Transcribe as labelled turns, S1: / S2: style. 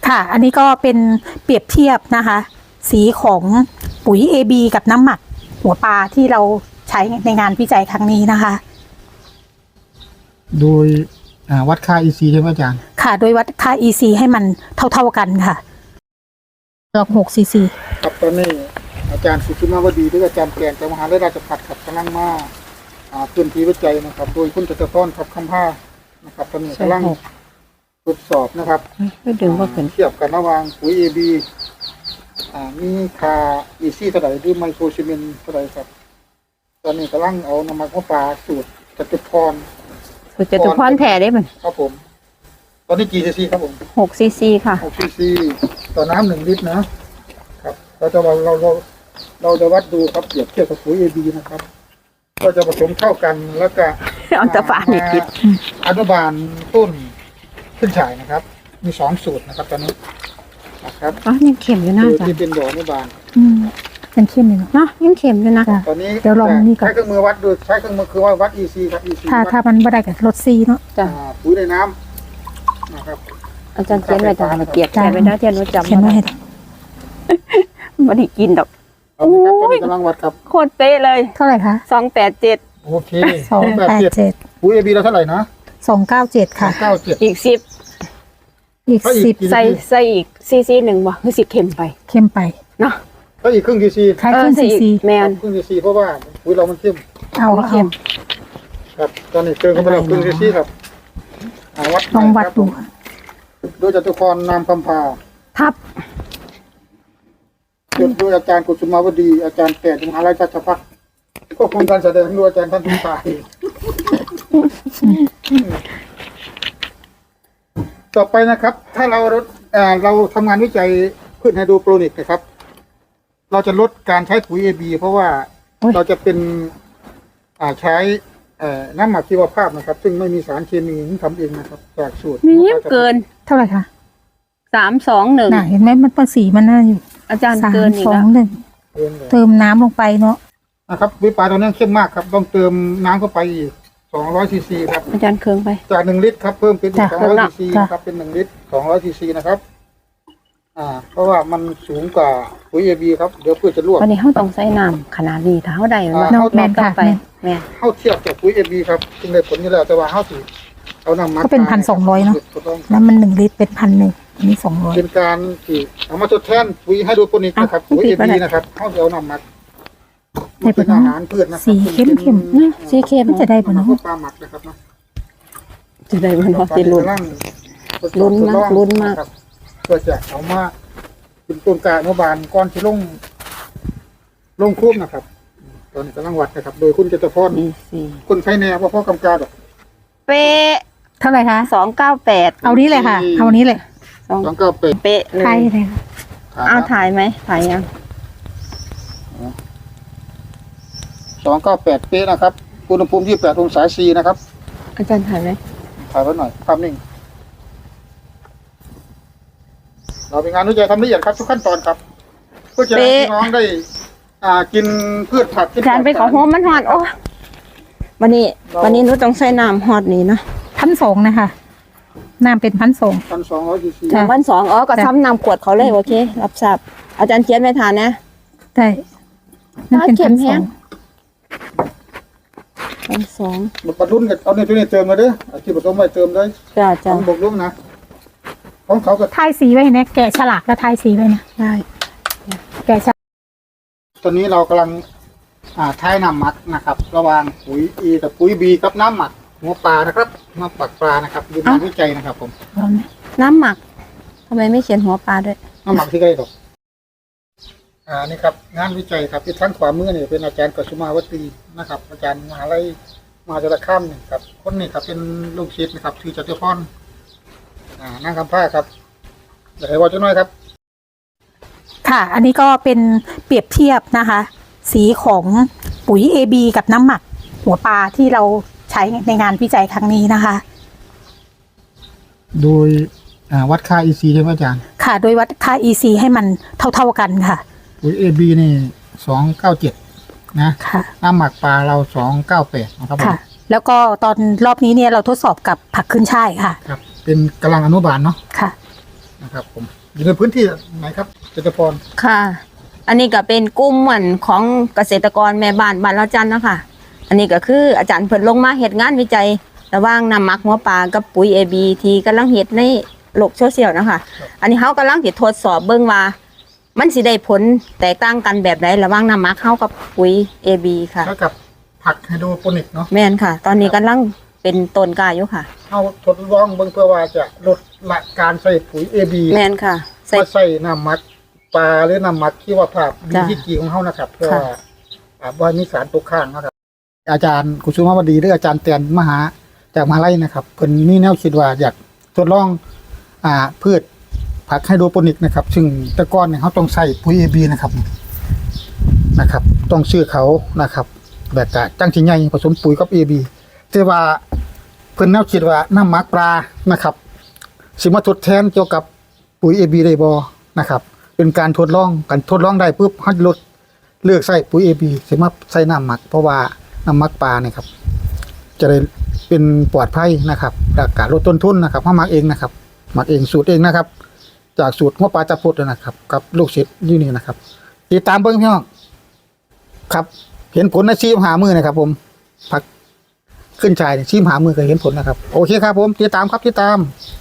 S1: ค่ะอันนี้ก็เป็นเปรียบเทียบนะคะสีของปุ๋ย AB กับน้ำหมักหัวปลาที่เราใช้ในงานวิจัยครั้งนี้นะคะ
S2: โดยวัดค่า EC ใช่ไหมอาจารย์
S1: ค่ะโดยวัดค่า EC ให้มันเท่ากันค่ะ6 cc
S2: ครับตอนนี้อาจารย์สุชิมาวดีด้วยอาจารย์แกนจากมหาวิทยาลัยราชภัฏครับกำลังมาพื้นที่วิจัยนะครับโดยคุณจตุพรครับคำผ้านะครับตอนนี้กำลังทดสอบนะครับ
S3: ดึงว่าเป็น
S2: เทียบกันระหว่างปุ๋ย AB มีค่า EC เท่าไหร่หรือไมโครซีเมนต์เท่าไหร่ครับตอนนี้กำลังเอาน้ำมันมะปรางสูตรจตุพร
S3: แผ่ได้มัน
S2: ครับผมตอนนี้กี่ซีซีครับผม
S3: 6 cc ค่ะ
S2: 6 cc ต่อน้ำ1 ลิตรนะครับเราจะวัดดูครับเปรียบเทียบกับปุ๋ย AB นะครับก็จะผสมเข้ากันแล้วก็
S3: เอาตะฝานี่คิด
S2: อนุบาลต้นขึ้นฉายนะครับมี2สูตรนะครับตอนนี้นะครับ
S3: ยังเข็มอยู่นะจ๊ะ
S2: ที่เป็นบ่ออนุบาล
S1: เป็นเข้มเลย
S3: เนาะยังเข็มอยู่นะ
S2: ตอนนี้
S1: เดี๋ยวลองนี่ก่อน
S2: ใช้เครื่องมือวัดดูใช้เครื่องมือคือว่าวัด EC ครับ EC
S1: ถ้ามันไม่ได้กับลดซีเนาะ
S3: จ้ะ
S2: ปุ๋ยในน้ำนะครับ
S3: อาจารย์เขียนไว้จ้ะเปียกแค่ไม่ได้เทียนว่าจำ
S1: เขียนไว้
S3: ไม่ได้กินดอก
S2: โอ้ยกำลังวัดครับ
S3: โคตรเป๊ะเลย
S1: เท่าไหร่คะ
S3: 287
S2: โอเค287ปุ๋ย AB เราเท่าไหร่นะ
S1: 297ค่ะ
S3: อีก10ใส่อีกcc 1บ่คือ10เข็มไปเนาะ
S2: ก็อีกครึ่ง cc
S1: ใช้ครึ่ง cc
S3: แมน
S2: ครึ่ง cc เพราะว่าปุ๋ยเรามันเข้ม
S1: เอา
S2: ครับตอนนี้เติมเข้าไปแล้วครึ่ง cc ครับ
S1: ลองวัดดู
S2: โดยจตุพรนามคำพา
S1: ทับ
S2: โดยอาจารย์กุสุมาวดีอาจารย์แก่มหาวิทยาลัยราชภัฏก็คงการแสดงโดยอาจารย์ท่านทุกฝ่ายต่อไปนะครับถ้าเราทำงานวิจัยพืชไฮโดรโปรนิกนะครับเราจะลดการใช้ปุ๋ย AB เพราะว่าเราจะเป็นใช้น้ำหมักชีวภาพนะครับซึ่งไม่มีสารเคมีทำเองนะครับจากสูตร
S3: นี่เกิน
S1: เท่าไหร่คะ
S3: 321
S1: เห็นไหมมันภาษีมันน่าอยู่
S3: อาจารย์เกินอีกแล้ว
S1: เติมน้ำลงไปเนาะ
S2: นะครับวิปลาตอนนี้เข้มมากครับต้องเติมน้ำเข้าไปอีก200 cc ครับ
S3: อาจารย์เคืองไป
S2: จาก1 ลิตรครับเพิ่มเป็น200 cc ครับเป็น1 ลิตร200 cc นะครับเพราะว่ามันสูงกว่าปุ๋ย AB ครับเดี๋ยวพืชจะรั่ว
S3: วันนี้เขาต้องใส่น้ำขนาดนี้เท่าใด
S1: ว่าแม่นค่ะ
S3: แม่
S2: เข้าเทียบกับปุ๋ย AB ครับจึงได้ผลนี่แหละแต่ว่าเข้าสิเอาน้ำมัน
S1: ก็เป็น1,200เนาะแล้วมัน1 ลิตรเป็น1,100อันนี้200
S2: เป็นการที่เอามาทดแทนปุ๋ยไฮโดรโปนิกนะครับปุ๋ย AB นะครับเข้าเอาน้ำมันเป็นอาหารพืชนะ
S1: สีเข้ม
S3: สีเข้ม
S1: จะได้ป่ะเนาะ
S2: ปลาหมักนะครับเนาะ
S3: จะได้ป่ะเนาะติลุ้นมาก
S2: เพื่อจะเอามาเป็นต้นกาอนุบาลก้อนที่ลงคุ้มนะครับตอนนี้กำลังวัดนะครับโดยคุณจตุพรคนใช้แนวว่าพ่อกำกาด
S3: เป๊ะ
S1: เท่าไหร่คะ
S3: 298
S1: เอานี้เลยค่ะเอานี้เลย
S2: 298
S3: เป๊ะเลย
S1: ถ่ายเลย
S3: เอาถ่ายไหมถ่ายยัง
S2: 298เป๊ะนะครับอุณหภูมิ28 องศาซีนะครับ
S3: อาจารย์ถ่ายไหม
S2: ถ่ายไว้หน่อยภาพนิ่งเราเป็นงานวิจัยทำละเอียดครับทุกขั้นตอนครับเพื่อจะให้พี่น้องได้กินพืชผัก
S3: อาจารย์ไปขอโฮมมันฮอดโอ้วันนี้นุชต้องใส่น้ำฮอดนี่นะ
S1: 1,200นะคะน้ำเป็น
S2: 1,200 cc
S3: 1,200ก็ซ้ำน้ำขวดเขาเลยโอเครับทราบอาจารย์เขียนไม่ทานนะ
S1: ได้นั่นเป็น1,200
S2: มันปรุงกันเอาในตัวนี้เติมมาเด้อที่ผสมไว้เติมได้
S3: จ้า
S2: บอกลุงนะของเขาก็
S1: ทายสีไว้นะแกะฉลากแล้วทายสีไว้นะ
S3: ได้
S1: แกะฉลาก
S2: ตอนนี้เรากำลังทายน้ำหมักนะครับระหว่างปุ๋ย E กับปุ๋ย B กับน้ำหมักหัวปลานะครับน้ำปักปลานะครับดูงานวิจัยนะครับผม
S3: น้ำหมักทำไมไม่เขียนหัวปลาด้วย
S2: น้ำหมักที่ใกล้ตกนี่ครับงานวิจัยครับที่ทั้งขวามือเนี่ยเป็นอาจารย์กุสุมาวดีนะครับอาจารย์มหาวิทยาลัยมหาสารคามนี่ครับคนนี้ครับเป็นลูกศิษย์นะครับชื่อจตุพรนั่งคำผ้าครับเดี๋ยวให้ว่าจะน้อยครับ
S1: ค่ะอันนี้ก็เป็นเปรียบเทียบนะคะสีของปุ๋ย AB กับน้ำหมักหัวปลาที่เราใช้ในงานวิจัยครั้งนี้นะคะ
S2: โดยวัดค่า EC ใช่ไหมอาจารย์
S1: ค่ะโดยวัดค่า EC ให้มันเท่ากันค่ะ
S2: ปุ๋ย AB นี่297นะน้ำหมักปลาเรา298นะครับ
S1: ค่ะแล้วก็ตอนรอบนี้เนี่ยเราทดสอบกับผักขึ้นช่ายค่ะ
S2: ครับเป็นกำลังอนุบาลเนาะ
S1: ค่ะ
S2: นะครับ ผมอยู่ในพื้นที่ไหนครับเจตพร
S3: ค่ะ อันนี้ก็เป็นกลุ่มเหมือนของเกษตรกรแม่บ้านบ้านเราจันนะคะอันนี้ก็คืออาจารย์เพิ่นลงมาเฮ็ดงานวิจัยระหว่างน้ำหมักหัวปลากับปุ๋ย AB ที่กำลังเฮ็ดในโลกโซเชียลนะคะอันนี้เฮากำลังสิทดสอบเบิ่งว่ามันสิได้ผลแตกต่างกันแบบใดระหว่างน้ำหมักเฮากับปุ๋ย AB ค่ะ
S2: แล้วกับผักไฮโดรโปนิกเนาะ
S3: แม่นค่ะ ตอนนี้กำลังเป็นต้นกล้าอยู่ค่ะ
S2: เอาทดลองเบิ่งเพื่อว่าจะลดละการใส่ปุ๋ย AB
S3: แม่นค่ะใส่
S2: มาใส่น้ำหมักปลาหรือน้ำหมักที่ว่าภาพมี
S3: จ้ะ
S2: ที่กีของเขานะครับ เพื่อ
S3: ค่ะ
S2: ว่ามีสารตกค้างนะครับ อาจารย์กุสุมาวดีหรืออาจารย์แตนมหาจากมหาลัยนะครับเพิ่นมีแนวคิดว่าอยากทดลองพืชผักไฮโดรโปนิกนะครับ ซึ่งแต่ก่อนเนี่ยเขาต้องใส่ปุ๋ย AB นะครับต้องชื่อเขานะครับแบบกะจังสิใหญ่ผสมปุ๋ยกับ AB แต่ว่าเพิ่นแนวคิดว่าน้ำหมักปลานะครับสิมาทดแทนเกี่ยวกับปุ๋ย AB ได้บ่นะครับ เป็นการทดลองได้ปุ๊บเฮาลดเลือกใส่ปุ๋ย AB สิมาใส่น้ำหมักเพราะว่าน้ำหมักปลาเนี่ยครับ จะได้เป็นปลอดภัยนะครับและการลดต้นทุนนะครับเฮาหมักเองนะครับหมักเองสูตรเองนะครับ จากสูตรหัวปลาตะพุดนะครับ กับลูกศิษย์อยู่นี่นะครับติดตามเบิ่งพี่น้องครับ เห็นผลในชีพหามือนะครับ ผมผักขึ้นชายชีพหามือก็เห็นผลนะครับ โอเคครับผมติดตามครับติดตาม